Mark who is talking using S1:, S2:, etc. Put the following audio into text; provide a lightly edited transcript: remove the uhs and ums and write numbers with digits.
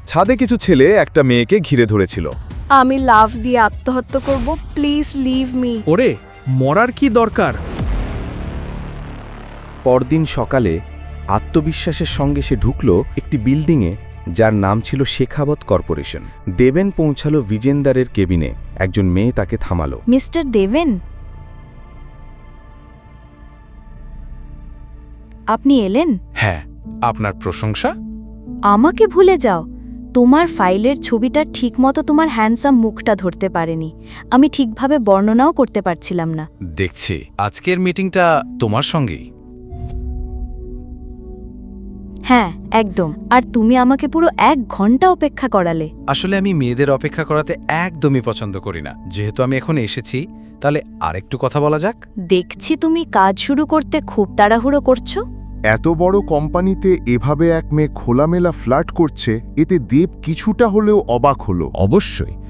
S1: ছাদে কিছু ছেলে একটা মেয়েকে ঘিরে ধরেছিল।
S2: আমি লাভ দিয়ে আত্মহত্যা করব, প্লিজ লিভ মি।
S3: ওরে, মরার কি দরকার?
S4: পরদিন সকালে আত্মবিশ্বাসের সঙ্গে সে ঢুকল একটি বিল্ডিংয়ে, যার নাম ছিল শেখাবত কর্পোরেশন। দেবেন পৌঁছালো বিজেন্দারের কেবিনে। একজন মেয়ে তাকে থামালো।
S5: মিস্টার দেবেন, আপনি এলেন?
S6: হ্যাঁ, আপনার প্রশংসা?
S5: আমাকে ভুলে যাও। তোমার ফাইলের ছবিটা ঠিকমতো তোমার হ্যান্ডসাম মুখটা ধরতে পারেনি। আমি ঠিকভাবে বর্ণনাও করতে পারছিলাম না।
S6: দেখছি আজকের মিটিংটা তোমার সঙ্গেই।
S5: হ্যাঁ, একদম। আর তুমি আমাকে পুরো 1 ঘন্টা অপেক্ষা করালে।
S6: আসলে আমি মেয়েদের অপেক্ষা করাতে একদমই পছন্দ করি না। যেহেতু আমি এখন এসেছি, তাহলে আরেকটু কথা বলা যাক।
S5: দেখছি তুমি কাজ শুরু করতে খুব তাড়াহুড়ো করছো।
S7: এত বড় কোম্পানিতে এভাবে এক মেয়ে খোলামেলা ফ্লার্ট করছে, এতে দেব কিছুটা হলেও অবাক হলো।
S4: অবশ্যই